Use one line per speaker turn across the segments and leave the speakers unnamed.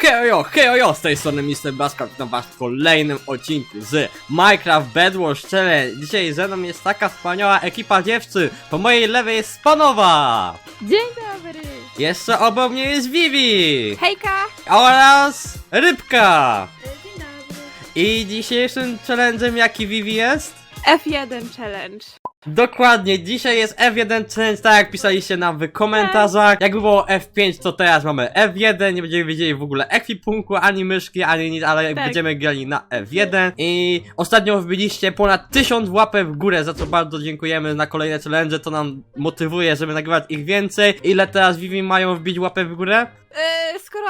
Hejo, z tej strony Mr. Baska, witam was w kolejnym odcinku z Minecraft Bed Wars Challenge. Dzisiaj ze mną jest taka wspaniała ekipa dziewczyn. Po mojej lewej jest Spanowa.
Dzień dobry!
Jeszcze obok mnie jest Vivi.
Hejka!
Oraz Rybka.
Dzień dobry.
I dzisiejszym challenge'em jaki Vivi jest?
F1 Challenge.
Dokładnie, dzisiaj jest F1 Challenge, tak jak pisaliście nam w komentarzach. Jakby było F5, to teraz mamy F1, nie będziemy wiedzieli w ogóle ekwipunku, ani myszki, ani nic, ale
Tak.
będziemy grali na F1. I ostatnio wbiliście ponad 1000 łapek w górę, za co bardzo dziękujemy na kolejne challenge, to nam motywuje, żeby nagrywać ich więcej. Ile teraz Vivi mają wbić łapę w górę?
Skoro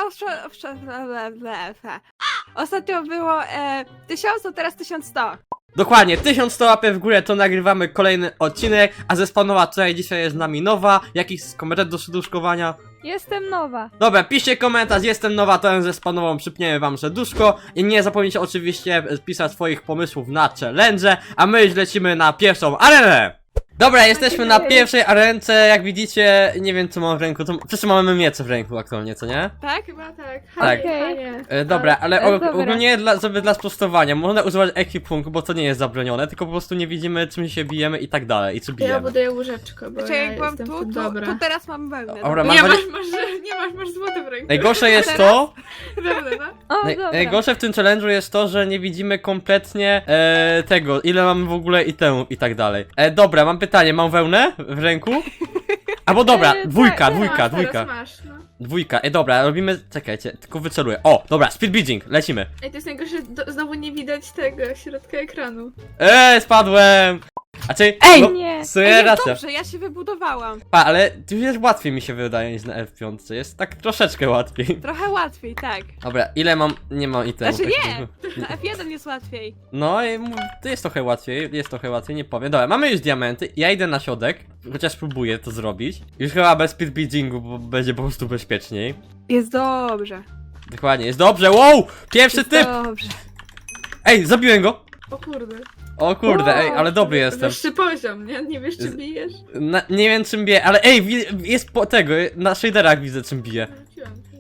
ostatnio było 1000, to teraz 1100.
Dokładnie, 1100 łapek w górę, to nagrywamy kolejny odcinek, a ze Spanowa tutaj dzisiaj jest z nami Nowa. Jakiś komentarz do serduszkowania?
Jestem nowa.
Dobra, piszcie komentarz, jestem Nowa, to ze Spanową przypniemy wam serduszko. I nie zapomnijcie oczywiście pisać swoich pomysłów na challenge, a my już lecimy na pierwszą arenę! Dobra, jesteśmy na pierwszej arence, jak widzicie, nie wiem co mam w ręku, to wszyscy mamy miecze w ręku aktualnie, co nie?
Tak?
Chyba tak.
Tak. Dobra, ale
Dobra.
ogólnie dla sprostowania, można używać ekwipunku, bo to nie jest zabronione, tylko po prostu nie widzimy czym się bijemy i tak dalej, i czy
Ja
bijemy.
buduję łóżeczko, bo
Znaczy,
ja
jak byłam
jestem
tu,
dobra.
to teraz mam wełnę.
Dobra,
Nie
mam
masz złote w ręku.
Najgorsze jest to,
Dobra, no.
O, dobra.
najgorsze w tym challenge'u jest to, że nie widzimy kompletnie tego, ile mamy w ogóle itemów i tak dalej. Dobra, mam pytanie, mam wełnę w ręku? Albo dobra, dwójka.
Teraz masz, no.
Dwójka, dobra, robimy, czekajcie, tylko wyceluję. O, dobra, speed bridging, lecimy.
Ej, to jest najgorsze, znowu nie widać tego środka ekranu.
Spadłem! A czy,
Ej,
no,
nie.
w sumie
Ej, jest
racja.
dobrze, ja się wybudowałam.
Ale tu już łatwiej mi się wydaje niż na F5, jest tak troszeczkę łatwiej.
Trochę łatwiej, tak.
Dobra, ile mam, nie mam itemów.
Znaczy
tak
nie!
jakby.
Na F1 jest łatwiej.
No i to jest trochę łatwiej, nie powiem. Dobra, mamy już diamenty, ja idę na środek, chociaż próbuję to zrobić. Już chyba bez speed bridgingu, bo będzie po prostu bezpieczniej.
Jest dobrze.
Dokładnie, jest dobrze, wow! Pierwszy
Jest
typ!
dobrze.
Ej, zabiłem go!
O kurde.
O kurde, ej, ale dobry jestem.
Wyższy poziom, nie? Nie wiesz, czy bijesz?
Nie wiem czym bije, ale ej, jest po tego, na shaderach widzę czym bije.
Wróciłam cię.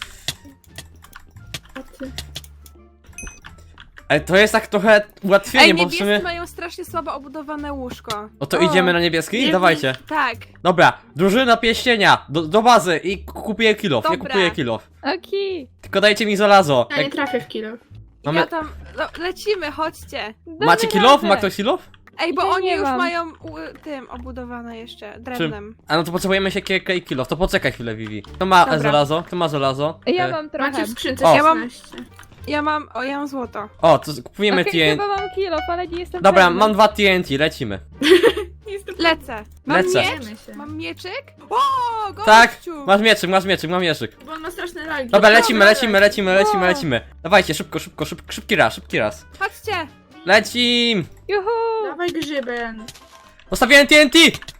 A ty?
Ej, to jest tak trochę ułatwienie,
Ej,
bo w
niebiescy
sumie...
mają strasznie słabo obudowane łóżko.
No to idziemy na niebieski?
Nie
Dawajcie.
Tak.
Dobra, drużyna pieścienia, do bazy i kupuję kill off, ja
Dobra.
kupuję kill off.
Okej.
Tylko dajcie mi żelazo.
Ja nie trafię w kilo.
Mamy-
Ja tam... No, lecimy, chodźcie.
Macie kill off? Ma ktoś kill off?
Ej, bo
Ja
oni
nie
już
mam.
mają tym obudowane jeszcze drewnem.
A no to potrzebujemy siekierkę i kill off, to poczekaj chwilę Vivi. Kto ma
Dobra.
żelazo? Kto ma żelazo?
Ja
E,
mam trochę.
Macie w skrzynce
O.
Ja mam-
16.
Ja mam złoto.
O, to kupujemy
Okej,
TNT.
chyba mam kilo, ale nie jestem
Dobra,
pewna.
mam 2 TNT, lecimy.
Nie jestem
Lecę. Mam
Lecę.
miecz?
Bijemy się.
Mam mieczyk? O, gościu!
Tak, masz mieczyk, mam mieczyk.
Bo on ma straszne lagi.
Dobra,
Dobra,
lecimy. Dawajcie, szybki raz.
Chodźcie!
Lecim!
Juhu!
Dawaj grzyben.
Postawiłem TNT!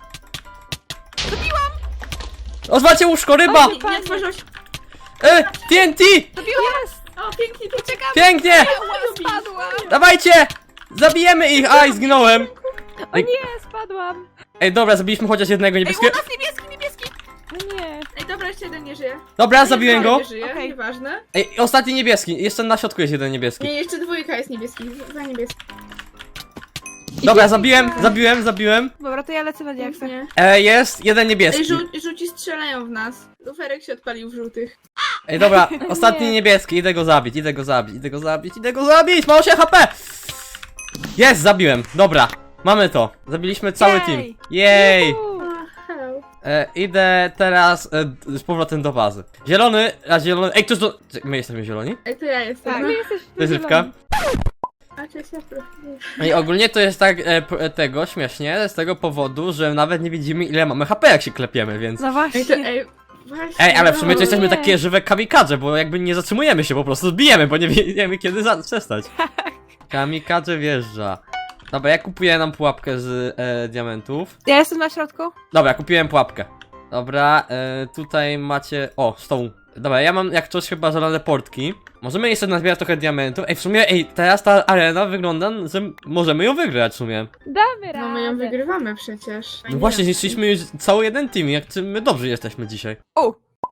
Rozwalcie łóżko, ryba!
Nie otworzyłeś.
TNT!
O, pięknie, to czekam.
Pięknie!
Spadłam!
Dawajcie! Zabijemy ich! Aj, zginąłem!
O nie, spadłam!
Ej, dobra, zabiliśmy chociaż jednego
Ej, u
niebieskiego.
nas niebieski!
O nie!
Ej, dobra, jeszcze jeden nie żyje.
Dobra, zabiłem go.
Nie żyje,
Okej.
nieważne.
Ej, ostatni niebieski. Jeszcze na środku jest jeden niebieski.
Nie, jeszcze dwójka jest niebieski. Za niebieski.
Dobra, zabiłem.
Dobra, to ja lecę na diaksach.
Nie.
Jest jeden
Ej,
niebieski.
żółci strzelają w nas. Luferek się odpalił w żółtych.
Ej, dobra, ostatni
Nie.
niebieski. Idę go zabić. Mało się HP! Jest, zabiłem. Dobra, mamy to. Zabiliśmy cały
Jej.
team. Jej!
Juhu!
A, hello.
Idę teraz z powrotem do bazy. Zielony. Ej, ktoś do... My jesteśmy zieloni?
Ej, to ja jestem.
Tak.
No.
Ty jesteś
To jest Rybka.
A, cześć, ja proszę.
I ogólnie to jest tak tego śmiesznie, z tego powodu, że nawet nie widzimy ile mamy HP jak się klepiemy, więc...
No właśnie.
Ej, to, ej, właśnie.
Ej, ale w sumie to
no.
jesteśmy
nie.
takie żywe kamikadze, bo jakby nie zatrzymujemy się, po prostu zbijemy, bo nie wiemy kiedy przestać. Kamikadze wjeżdża. Dobra, ja kupuję nam pułapkę z diamentów.
Ja jestem na środku.
Dobra, kupiłem pułapkę. Dobra, tutaj macie... O, stoł. Dobra, ja mam jak coś chyba żelazne portki. Możemy jeszcze nazbierać trochę diamentów. Ej, w sumie, teraz ta arena wygląda, że możemy ją wygrać w sumie.
Damy radę!
No my ją wygrywamy przecież.
No właśnie, zniszczyliśmy już cały jeden team, jak my dobrzy jesteśmy dzisiaj.
O!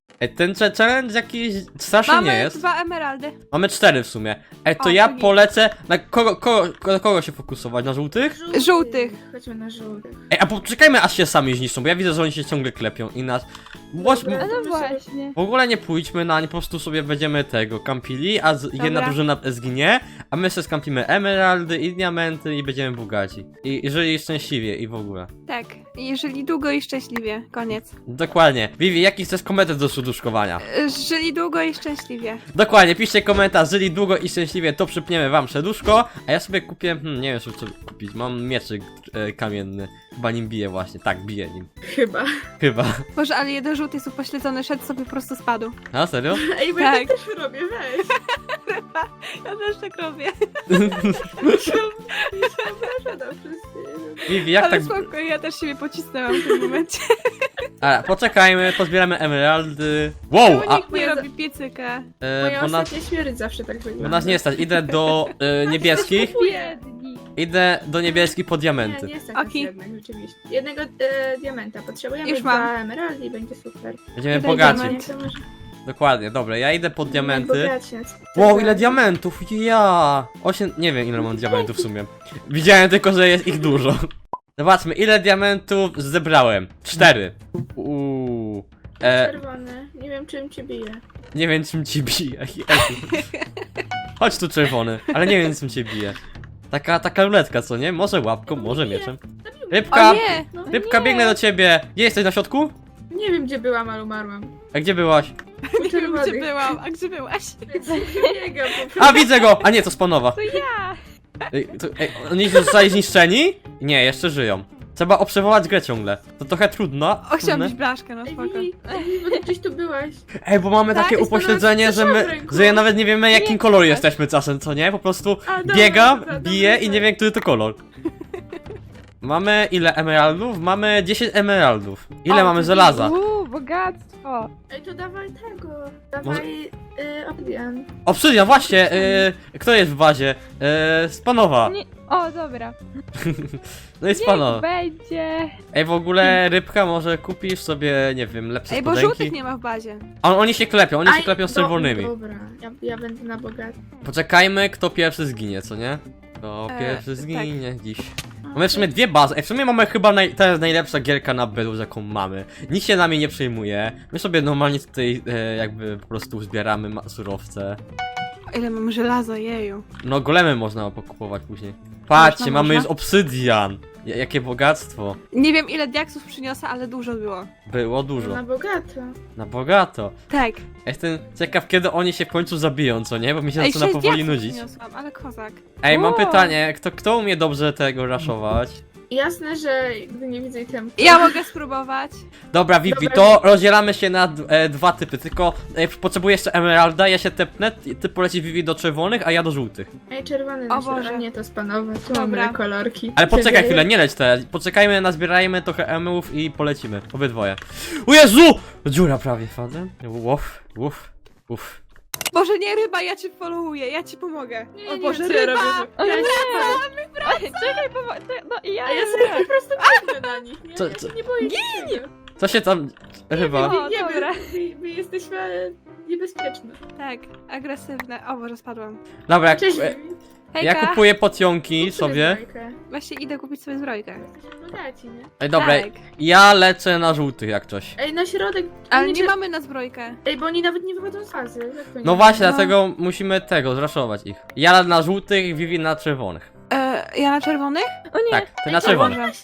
Ej, ten challenge jakiś straszny nie
Mamy
jest.
2 emeraldy.
Mamy 4 w sumie. Ej, to
O,
ja
to git.
polecę. Na kogo się fokusować? Na żółtych?
Żółtych.
Chodźmy na żółtych.
Ej, a poczekajmy aż się sami zniszczą, bo ja widzę, że oni się ciągle klepią i nas.
Dobra.
No właśnie.
W ogóle nie pójdźmy na nie, po prostu sobie będziemy tego kampili, a jedna
Dobra.
drużyna zginie, a my sobie skampimy emeraldy i diamenty i będziemy bogaci. I żyli szczęśliwie i w ogóle.
Tak. Żyli długo i szczęśliwie. Koniec.
Dokładnie. Vivi, jaki chcesz komentarz do serduszkowania?
Żyli długo i szczęśliwie.
Dokładnie, piszcie komentarz, żyli długo i szczęśliwie, to przypniemy wam serduszko, a ja sobie kupię, nie wiem co kupić, mam mieczyk kamienny, chyba nim biję właśnie, tak, biję nim. Chyba.
Boże, ale jeden żółty jest upośledzony, szedł sobie po prostu spadł.
A, serio?
Ej, bo
Tak.
ja tak też robię, weź.
Ja też tak robię.
No, wszyscy.
Vivi, jak
Ale
tak...
spoko, ja też siebie pocisnęłam w tym momencie.
A, poczekajmy, pozbieramy emeraldy. Wow, a...
Nikt nie robi piecyka.
Moja
bo nas...
ostatnia śmierć zawsze tak wygląda.
Bo nas nie stać, idę do niebieskich,
Biedni.
idę do niebieskich po diamenty.
Nie stać nas
Okej.
jednak, rzeczywiście. Jednego diamenta. Potrzebujemy
Już
2
mam.
emeraldy i będzie super.
Będziemy
Tutaj
bogaci.
diament.
To może...
Dokładnie, dobra, ja idę po diamenty.
Bogaciec.
Wow, ile diamentów, ja! 8, nie wiem ile mam diamentów w sumie. Widziałem tylko, że jest ich dużo. Zobaczmy, ile diamentów zebrałem. 4.
Czerwony. Nie wiem czym cię bije.
Nie wiem czym ci bije. Chodź tu czerwony, ale nie wiem czym cię bije. Taka ruletka, co nie? Może łapką, może mieczem. Rybka!
O nie!
No,
Rybka,
nie.
biegnę do ciebie! Gdzie jesteś, na środku?
nie wiem gdzie byłam, ale umarłam.
A gdzie byłaś?
U
Nie wiem, gdzie
czerwonych.
byłam, a gdzie byłaś?
Biegam po prostu.
A, widzę go! A nie, to spanowa.
To ja.
Oni zostali zniszczeni? Nie, jeszcze żyją. Trzeba obserwować grę ciągle. To trochę trudno.
O, chciałam
trudne.
być blaszkę, no
Ej,
spoko.
Vivi, bo ty gdzieś tu byłaś.
Ej, bo mamy
Tak,
takie
jest
upośledzenie, że
w
my,
ręku.
że ja nawet nie wiemy jakim
Nie,
kolorem
tak.
jesteśmy czasem, co nie? Po prostu
A, dobra,
biegam,
dobra,
biję
dobra,
i nie wiem, który to kolor. Mamy ile emeraldów? Mamy 10 emeraldów. Ile
O,
mamy
to
żelaza?
Bogactwo.
Ej, to dawaj tego. Dawaj obdian.
Obsydian, właśnie! Kto jest w bazie? Spanowa.
Nie. O, dobra.
No i spanowa.
Będzie.
Ej, w ogóle rybka, może kupisz sobie, nie wiem, lepsze
Ej, bo
spodenki?
żółtych nie ma w bazie.
Oni się klepią, oni się
Aj,
klepią z czerwonymi.
Dobra, ja będę na bogaty.
Poczekajmy, kto pierwszy zginie, co nie? Kto pierwszy
tak.
zginie dziś. Mamy w sumie dwie bazy. Ej, w sumie mamy chyba teraz najlepsza gierka na Bedus, jaką mamy. Nikt się nami nie przejmuje. My sobie normalnie tutaj jakby po prostu zbieramy surowce.
O, ile mam żelaza, jeju.
No golemy można pokupować później. Patrzcie,
Można,
mamy
można.
już obsydian. Jakie bogactwo.
Nie wiem ile diaksów przyniosę, ale dużo było.
Było dużo.
Na bogato.
Na bogato.
Tak.
Jestem ciekaw, kiedy oni się w końcu zabiją, co nie? Bo mi się
Ej,
zaczyna
6
powoli
diaksów
nudzić.
przyniosłam, ale kozak.
Ej, mam
O!
pytanie, kto umie dobrze tego raszować?
Jasne, że gdy nie widzę itemów.
Ja mogę spróbować.
Dobra, Vivi,
Dobra.
to rozdzielamy się na dwa typy, tylko potrzebuję jeszcze emeralda, ja się tepnę, ty polecisz Vivi do czerwonych, a ja do żółtych.
Ej, czerwony
O
na
Boże.
środku, nie to spanowe. Tu
Dobra.
mamy kolorki.
Ale poczekaj
Przebiegaj.
chwilę, nie leć teraz, poczekajmy, nazbierajmy trochę emerów i polecimy, obydwoje. O Jezu! Dziura prawie, wchodzę. Uff, uff, uff.
Boże, nie ryba, ja cię followuję, ja ci pomogę.
Nie,
O
nie
Boże,
wiem, co ja
ryba!
robię.
O
Ja
nie!
się
Czekaj, no i ja.
A ja sobie po prostu biegnę na nich. Nie,
Co-
ja
co-
się nie boję niczego.
Co się tam... chyba...
O,
Nie,
dobra.
my jesteśmy niebezpieczne.
Tak, agresywne. O Boże, spadłam.
Dobra,
Cześć,
ja
Hejka,
kupuję pocionki sobie.
właśnie idę kupić sobie zbrojkę.
Jesteśmy bogaci, nie?
Ej, dobra,
Tak.
ja lecę na żółtych jak coś.
Ej, na środek.
Ale
oni
nie
cię-
mamy na zbrojkę.
Ej, bo oni nawet nie wychodzą z fazy. Jak to nie?
No właśnie,
No.
dlatego musimy tego, zraszować ich. Ja na żółtych, Vivi na czerwonych.
Ja na czerwonych?
O nie.
Tak, ty
Ej,
na
to
czerwonych.
Boże.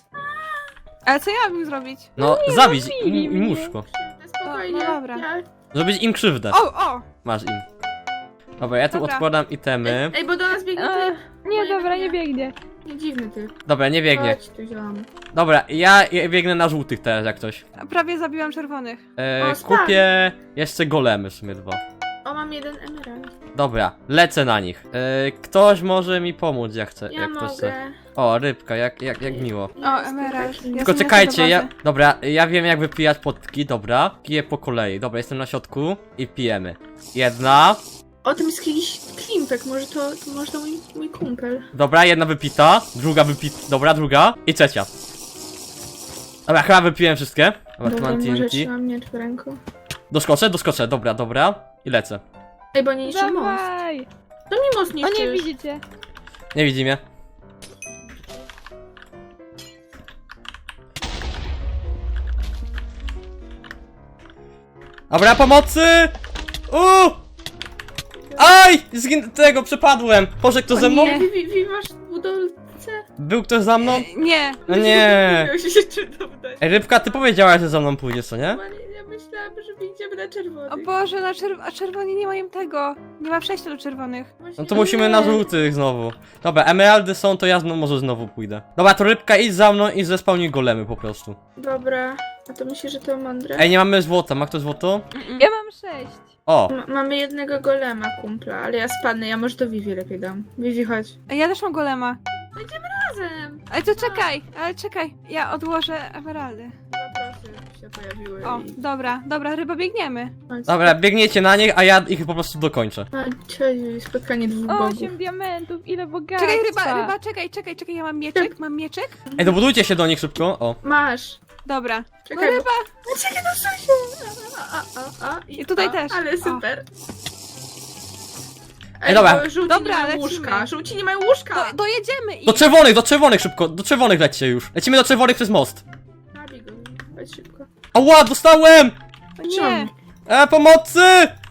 Ale co ja mam im zrobić?
No, zabić
zabili
im
mnie.
muszko.
Spokojnie.
No dobra.
Ja...
Zrobić im krzywdę.
O!
Masz im. Dobra, ja tu
Dobra.
odkładam itemy.
Ej, bo do nas biegnie
E,
typ.
Nie, dobra, nie biegnie.
Nie dziwny typ.
Dobra, nie biegnie.
Chodź tu, ziom.
Dobra, ja biegnę na żółtych teraz jak coś.
Prawie zabiłam czerwonych.
O, spadł.
Kupię jeszcze golemy w sumie 2.
O, mam jeden emerald.
Dobra, lecę na nich. Ktoś może mi pomóc, jak chce.
Ja
jak ktoś chce.
mogę.
O, rybka, jak miło.
O, emerald. Ja
Tylko
sobie
czekajcie,
lecę do
ja.
bazy.
Dobra, ja wiem jak wypijać potki, dobra. Piję po kolei. Dobra, jestem na środku i pijemy. Jedna.
O, tam jest jakiś klimpek, może to mój kumpel.
Dobra, jedna wypita. Druga wypita. Dobra, druga. I trzecia. Dobra, chyba wypiłem wszystkie. Dobra, tu
Dobra,
mam
może
TNT.
trzymam miecz w ręku.
Doskoczę, dobra. I lecę.
Ej, bo nie niszczy most.
Dawaj!
To mi most
O nie,
niszczysz.
widzicie?
Nie widzi mnie. Dobra, pomocy! Aj! Tego, przepadłem! Boże, kto
O
ze mną?
nie.
Vivi, masz budowlce?
Był ktoś za mną?
Nie.
No nie.
Miał się czy to wdać.
Ej, Rybka, ty powiedziałaś, że za mną pójdziesz, co nie?
Ja myślałam, że wyjdziemy na czerwony.
O Boże, a czerwoni nie mają tego. Nie ma przejścia do czerwonych.
No to musimy na żółtych znowu. Dobra, emeraldy są, to ja może znowu pójdę. Dobra, to Rybka, idź za mną i zespałnij golemy po prostu.
Dobra, a to myślisz, że to mądre?
Ej, nie mamy złota, ma ktoś złoto?
Ja mam 6.
O!
Mamy jednego golema, kumpla, ale ja spadnę, ja może to Vivi lepiej dam. Vivi, chodź.
A ja też mam golema.
Razem!
Ale to czekaj. Ja odłożę emeraldy.
Zaprosy się pojawiły
O,
i...
dobra, ryba, biegniemy.
Chodź.
Dobra, biegniecie na nich, a ja ich po prostu dokończę.
Chodź, spotkanie dwóch bogów.
8 diamentów, ile bogactwa.
Czekaj, ryba, czekaj, ja mam mieczek.
Ej, dobudujcie się do nich szybko, o.
Masz.
Dobra.
Czekaj,
No ryba.
Czekaj, no się.
I tutaj też.
Ale super.
Ej, dobra.
bo żółci
Dobra,
nie mają
lecimy.
łóżka. Żółci nie mają łóżka.
Dojedziemy i...
Do czerwonych szybko, do czerwonych lećcie już. Lecimy do czerwonych przez most.
Zabij go, chodź szybko.
Ała, dostałem!
O nie.
Pomocy!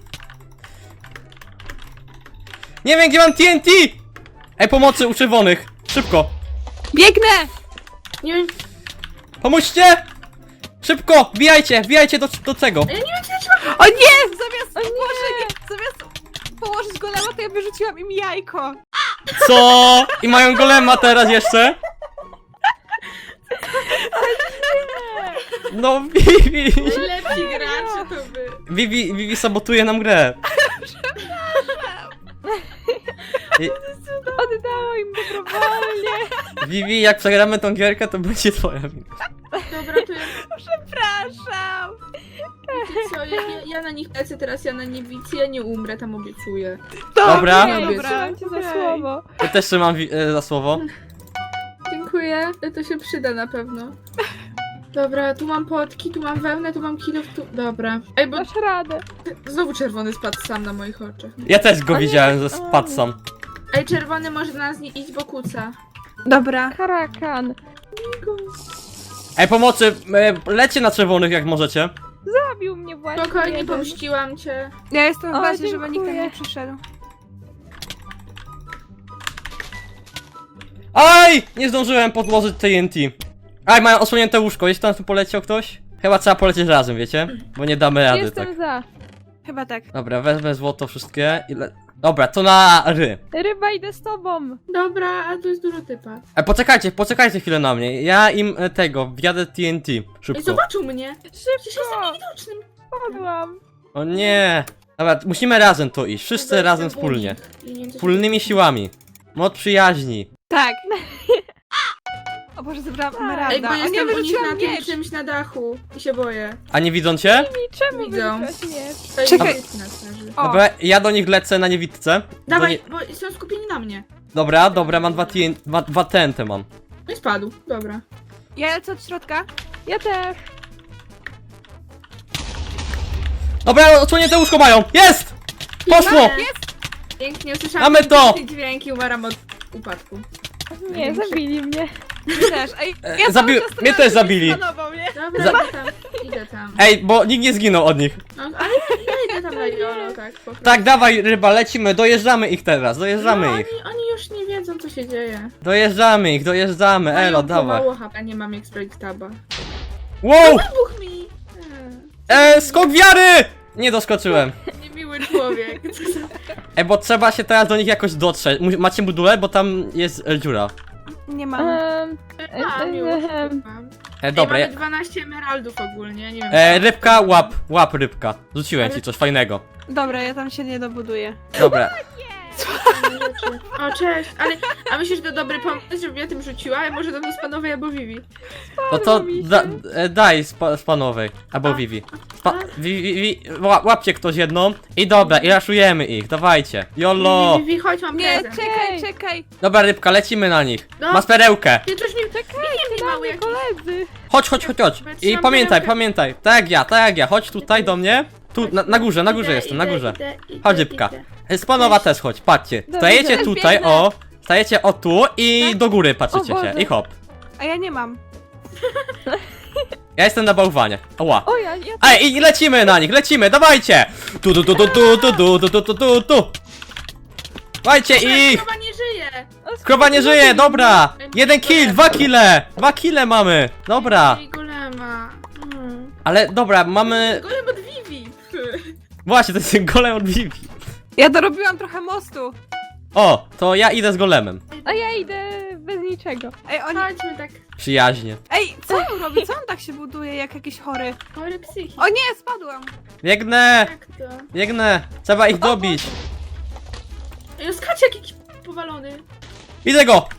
Nie wiem, gdzie mam TNT! Ej, pomocy u czerwonych, szybko.
Biegnę!
Nie wiem,
Pomóżcie! Szybko, wbijajcie do tego.
ja nie wiem, gdzie trzeba.
O nie! Zamiast położyć golema, to ja wyrzuciłam im jajko.
Co? I mają golema teraz jeszcze? No, Vivi!
Lepsi gracze to by.
Vivi sabotuje nam grę.
Oddało im dobrowolnie.
Vivi, jak przegramy tą gierkę, to będzie twoja wina.
Dobra, to ja,
Przepraszam.
co, ja na nich lecę teraz, ja na niewicy, ja nie umrę, tam obiecuję.
Dobra.
Trzymam cię za słowo.
Ja też trzymam za słowo.
Dziękuję, to się przyda na pewno. Dobra, tu mam potki, tu mam wełnę, tu mam kilof, tu... Dobra. Ej, bo
Dasz radę.
znowu czerwony spadł sam na moich oczach.
Ja też go widziałem, że spadł sam.
Ej, czerwony może do nas nie iść, bo kuca.
Dobra.
Karakan.
Ej, pomocy, lecie na czerwonych jak możecie.
Zabił mnie właśnie.
Spokojnie,
jeden.
pomściłam cię.
Ja jestem w
O,
bazie, żeby nikt tam
dziękuję.
nie przyszedł.
Aj! Nie zdążyłem podłożyć TNT. Aj, mają osłonięte łóżko, jest tam tu poleciał ktoś? Chyba trzeba polecieć razem, wiecie? Bo nie damy rady,
Jestem
tak.
za.
Chyba tak.
Dobra, wezmę złoto wszystkie i Dobra, to na ry.
Ryba, idę z tobą.
Dobra, a tu jest dużo typa.
Poczekajcie chwilę na mnie. Ja im wjadę TNT.
Ej,
Szybko.
zobaczył mnie! Przecież jestem
Szybko.
niewidocznym.
Padłam.
O nie. Dobra, musimy razem to iść. Wszyscy
Dobra,
razem
jestem
wspólnie.
błąd. I nie wiem, co się
Wspólnymi siłami. Moc przyjaźni.
Tak. O Boże, zebrałam
Ej,
emeralda.
bo
O nie,
jestem u nich
wyrzuciłam
na tym
miecz.
czymś na dachu. I się boję.
A nie widzą cię?
I czemu
Widzą.
wyrzucasz miecz?
To jest
Czekaj.
typ na twarzy.
O.
Dobra, ja do nich lecę na niewidce.
Dawaj, bo są skupieni na mnie.
Dobra, mam dwa TNT mam.
No i spadł, dobra.
Ja lecę od środka.
Ja też.
Dobra, odsłonięte łóżko mają. Jest! Poszło!
Jest! Pięknie, usłyszałam
Mamy to!
piękny dźwięk i umaram od upadku.
Nie, zabili mnie.
Ty też. Ej,
Mnie też zabili.
Panował mnie.
Dobra,
Za-
idę tam.
Ej, bo nikt nie zginął od nich.
No, ale ja idę tam na jolo, tak po prostu.
Tak, dawaj ryba, lecimy, dojeżdżamy ich teraz, dojeżdżamy
no,
ich.
oni już nie wiedzą, co się dzieje.
Dojeżdżamy ich, dojeżdżamy, elo,
Mają
dawaj.
mało HP, nie mam jak sprawdzić taba.
Wow!
Buch mi!
Skok wiary! Nie doskoczyłem.
Niemiły człowiek.
Bo trzeba się teraz do nich jakoś dotrzeć. Macie budulę, bo tam jest dziura.
Nie mam.
Mam już, mam.
Dobra,
Ej, mamy 12 emeraldów ogólnie, nie wiem.
rybka, łap rybka. Rzuciłem ci coś fajnego.
Dobra, ja tam się nie dobuduję.
Dobra.
Rzeczy. O, cześć, ale... A myślisz, że to dobry pomysł, żebym ja tym rzuciła? A może to do Spanowej albo Vivi?
No to daj spanowej, albo Vivi. Łapcie ktoś jedną i dobra, i raszujemy ich, dawajcie. Jolo!
Vivi, chodź, mam
Nie,
prezent.
czekaj.
Dobra rybka, lecimy na nich.
No.
Masz perełkę.
Ty coś mi... Nie mały jakiś...
Koledzy.
Chodź. I
Trzymam
pamiętaj.
perełkę.
Tak jak ja, chodź tutaj do mnie. Tu, na górze jestem, na górze.
Idę,
Chodź, Rybka. Spanowa też chodź, patrzcie.
Dobra,
Stajecie
też
tutaj,
biegnę.
o. Stajecie o tu i
Tak?
do góry patrzycie
O
się.
Boże.
I hop.
A ja nie mam.
Ja jestem na bałwanie. Oła.
O, ja
Ej, i lecimy na nich, lecimy, dawajcie! Tu. Dawajcie ich!
Krowa nie żyje!
Krowa nie żyje, dobra! 1 kill, 2 kille! 2 kille mamy! Dobra.
I golema.
Ale dobra, mamy...
Golem od Vivi!
Właśnie, to jest golem od Vivi.
Ja dorobiłam trochę mostu.
O, to ja idę z golemem.
A ja idę bez niczego.
Ej, oni...
Chodźmy tak.
Przyjaźnie.
Ej, co on robi? Co on tak się buduje jak jakiś chory?
Chory psychik.
O nie, spadłam.
Biegnę!
Jak to?
Biegnę! Trzeba ich dobić.
Ej, skacze jakiś powalony.
Widzę go!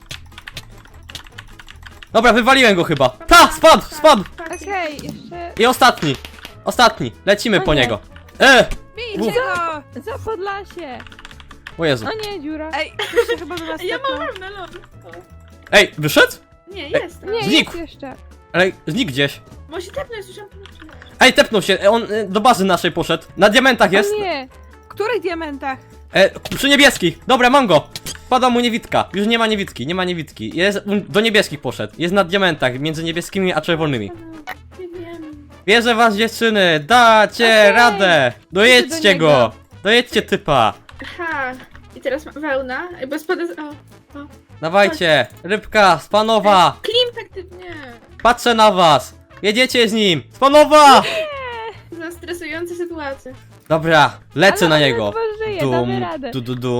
Dobra, wywaliłem go chyba. Ta! Spadł!
Okej, jeszcze...
I ostatni. Lecimy
O
po
nie.
niego.
Bijcie go!
Za Podlasie!
O Jezu.
O nie, dziura.
Ej, ktoś się chyba do nas
Ja mam
tepnął.
wewnę, lol.
Ej, wyszedł?
Nie, jest.
Nie,
Znikł.
jest jeszcze.
Ale znikł gdzieś.
Może tepnę, słyszałam.
Ej, tepnął się, on do bazy naszej poszedł. Na diamentach jest.
O nie!
W których diamentach?
Przy niebieskich. Dobra, mam go. Pada mu niewidka. Już nie ma niewidki. Jest, do niebieskich poszedł. Jest na diamentach, między niebieskimi a czerwonymi.
Nie wiem.
Wierzę w was, dziewczyny. Dacie
Okej.
radę. Dojedźcie
Idę do
go.
niego.
Dojedźcie typa.
Aha. I teraz wełna. Ej, bo spada z... O.
Dawajcie. Rybka, Spanowa.
Klim aktywnie.
Patrzę na was. Jedziecie z nim. Spanowa.
Za stresujące sytuacje.
Dobra, lecę
Ale
na
on
niego.
ledwo żyje, damy radę.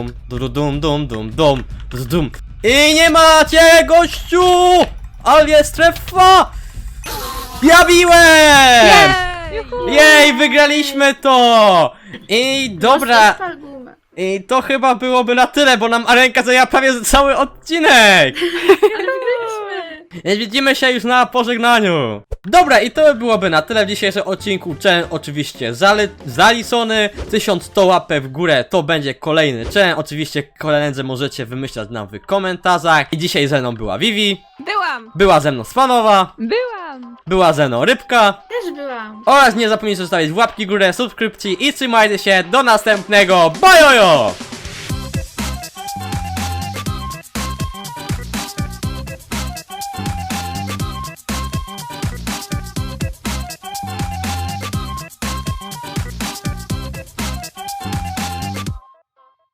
Dum. I nie macie, gościu! Ale jest strefa! Ja biłem!
Jej!
Juhu!
Jej, wygraliśmy to! I dobra,
Spal gumę.
i to chyba byłoby na tyle, bo nam Arenka zajęła prawie cały odcinek!
Ale wygraliśmy.
Więc widzimy się już na pożegnaniu. Dobra, i to byłoby na tyle w dzisiejszym odcinku. Challenge oczywiście zaliczony. 1100 łapek w górę to będzie kolejny challenge. Oczywiście kolejne możecie wymyślać nam w komentarzach. I dzisiaj ze mną była Vivi,
Byłam!
była ze mną Spanowa,
Byłam!
była ze mną Rybka.
Też byłam.
Oraz nie zapomnijcie zostawić łapki w górę, subskrypcji i trzymajcie się do następnego. Bajojo!